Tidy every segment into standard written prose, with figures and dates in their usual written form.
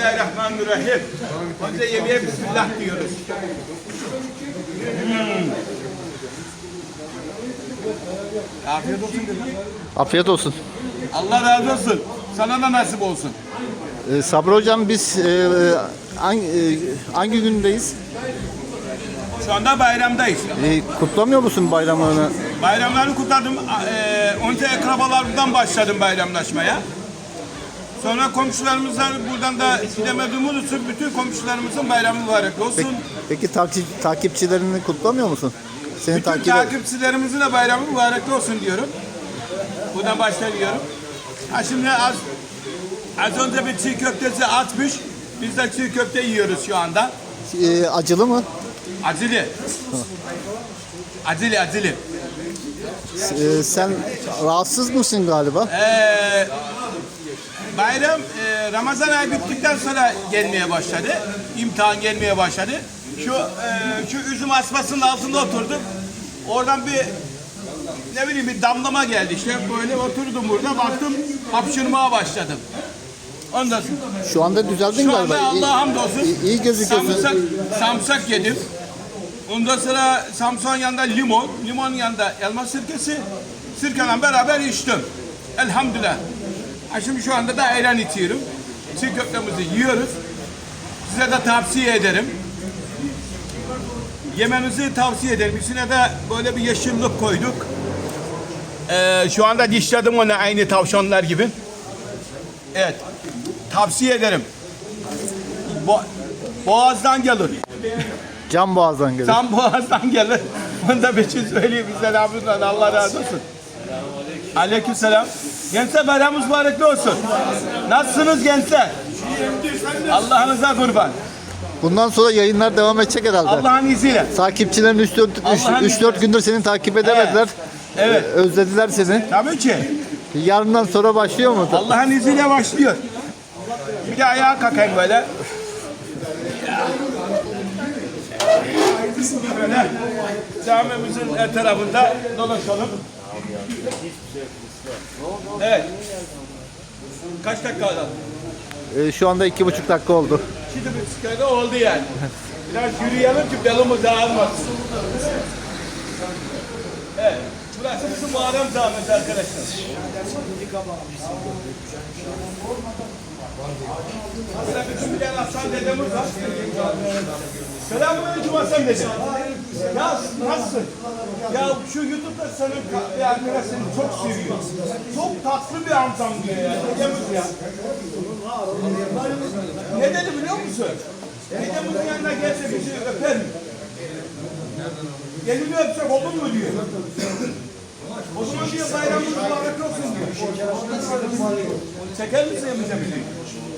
Bismillahirrahmanirrahim. Önce yemeğe Bismillah diyoruz. Afiyet olsun dedim. Afiyet olsun. Allah razı olsun. Sana da nasip olsun. Sabri Hocam biz hangi gündeyiz? Şu anda bayramdayız. Kutlamıyor musun bayramını? Bayramları kutladım. Önce akrabalarımdan başladım bayramlaşmaya. Sonra komşularımızla buradan da gidemediğimiz için bütün komşularımızın bayramı mübarek olsun. Peki takipçilerini kutlamıyor musun? Seni Bütün takipçilerimizin de bayramı mübarek olsun diyorum. Buradan başlıyorum. Ha şimdi az önce bir çiğ köftesi atmış. Biz de çiğ köfte yiyoruz şu anda. Acılı mı? Acılı. Acılı. Sen rahatsız mısın galiba? Bayram Ramazan ayı bittikten sonra gelmeye başladı. İmtihan gelmeye başladı. Şu üzüm asmasının altında oturdum. Oradan bir damlama geldi işte. Böyle oturdum burada. Baktım hapşırmaya başladım. Ondan sonra. Şu anda düzeldin Şu galiba. anda Allah'a hamdolsun. İyi gözüküyorsun. Samsak yedim. Ondan sonra samsağın yanında limonun yanında elma sirkesi, sirkeyle beraber içtim. Elhamdülillah. Şimdi şu anda da ayran içiyorum. Çiğ köftemizi yiyoruz. Size de tavsiye ederim. Yemenizi tavsiye ederim. İçine de böyle bir yeşillik koyduk. Şu anda dişledim onu aynı tavşanlar gibi. Evet. Tavsiye ederim. Boğazdan gelir. Can boğazdan gelir. Can boğazdan gelir. Onu da bir şey söyleyeyim. Bizden abimden Allah razı olsun. Aleykümselam. Gençler bayramımız mübarek olsun. Nasılsınız gençler? Allah'ınıza kurban. Bundan sonra yayınlar devam edecek herhalde. Allah'ın izniyle. Takipçilerin 3-4 gündür seni takip edemediler. Evet. Özlediler seni. Tabii ki. Yarından sonra başlıyor mu? Allah'ın izniyle başlıyor. Bir de ayağa kalkayım böyle. Böyle camimizin etrafında dolaşalım. Evet. Kaç dakika kaldı? Şu anda 2,5 dakika oldu. 2,5 dakika oldu yani. Biraz yürüyelim ki belimiz ağrımasın. Evet. Burası bizim Muharrem Camisi arkadaşlar. Burada bütün bilen Hasan dedemiz var. Selamünaleyküm Hasan dede. Ya nasılsın? Ya şu YouTube'da senin bir arkadaş seni çok seviyor. Çok tatlı bir amcam diyor ya. Dedemiz ya. Ne dedi biliyor musun? Dedemizin yanına gelse bizi öper mi? Elini öpsek olur mu diyor. O zaman diyor bayramımız mübarek olsun diyor. Çeker misin bize bir şey?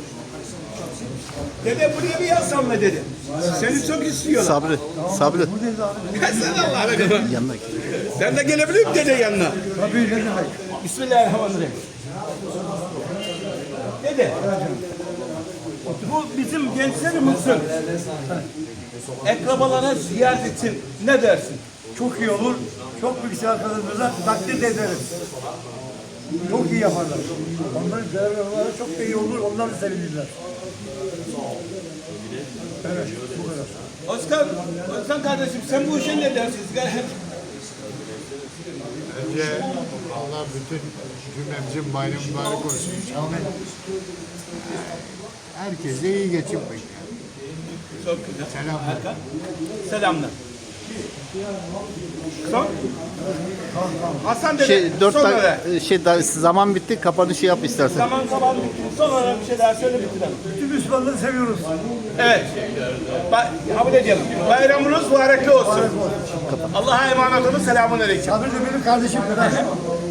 Dede buraya bir yazsam mı dedi. Seni çok istiyorlar. Sabri. Sen Allah'a kadar. Yanına Sen de gelebilir misin dede yanına? Tabii ne demek. Bismillahirrahmanirrahim. Dede. Bu bizim gençlerimizin akrabalara ziyaret için ne dersin? Çok iyi olur. Çok büyük arkadaşlarımıza takdir ederiz. Çok iyi yaparlar. Onların görevleri çok da iyi olur. Onlar da sevinirler. Evet, bu kadar. Özkan kardeşim sen bu işe ne dersin? Önce Allah bütün cümlemizin bayramı mübarek olsun. Herkese iyi geçim bekliyor. Çok güzel. Selamlar. Selamlar. Son? Hasan dede, son olarak. zaman bitti. Kapanışı yap istersen. Zaman bitti. Son olarak bir şey daha söyle bitirelim. Bütün Müslümanları seviyoruz. Evet. Kabul edelim. Bayramınız mübarek olsun. Allah'a emanet olun. Selamun aleyküm. Sabri de benim kardeşim kadar.